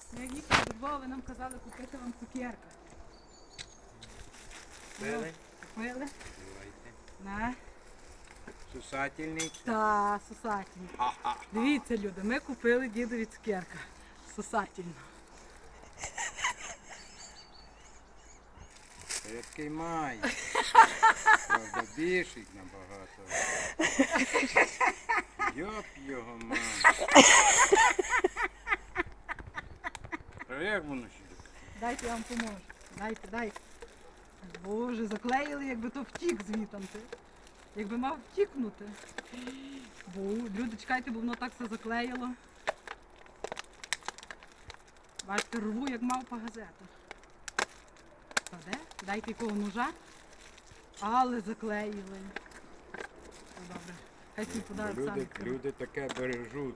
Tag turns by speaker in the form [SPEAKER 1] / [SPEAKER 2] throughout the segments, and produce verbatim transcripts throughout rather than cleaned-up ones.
[SPEAKER 1] Як їхали до Львова, ви нам казали купити вам цукерка.
[SPEAKER 2] Купили?
[SPEAKER 1] Купили?
[SPEAKER 2] Давайте.
[SPEAKER 1] На.
[SPEAKER 2] Сусательний.
[SPEAKER 1] Та, сосательно.
[SPEAKER 2] А-а.
[SPEAKER 1] Дивіться, люди, ми купили дідові цукерка. Сосательно.
[SPEAKER 2] Який має. Правда, більший набагато. Йоп його має. А як воно ще таке?
[SPEAKER 1] Дайте я вам поможу. Дайте, дайте. Боже, заклеїли, якби то втік звітанти. Якби мав втікнути. Бо, люди, чекайте, бо воно так все заклеїло. Бачите, рву, як мавпа газету. Та де? Дайте якого ножа. Але заклеїли. Ну, добре. Хай свій подарок самі.
[SPEAKER 2] Люди, люди таке бережуть.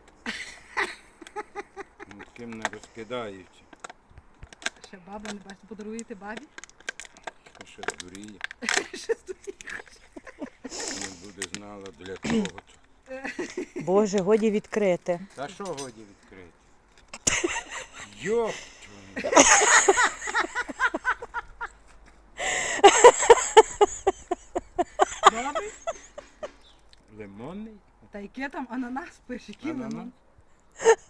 [SPEAKER 2] Ніким не розкидаючи.
[SPEAKER 1] Ще баба, не бачите, подаруєте бабі?
[SPEAKER 2] А що дуріє.
[SPEAKER 1] Ще стоїть.
[SPEAKER 2] Не буде знала для чого. то.
[SPEAKER 3] Боже, годі відкрити.
[SPEAKER 2] Та що годі відкрити? Йоп! твою.
[SPEAKER 1] Добре?
[SPEAKER 2] Лимонний?
[SPEAKER 1] Та яке там ананас пише, який
[SPEAKER 2] Ананас?
[SPEAKER 1] лимон?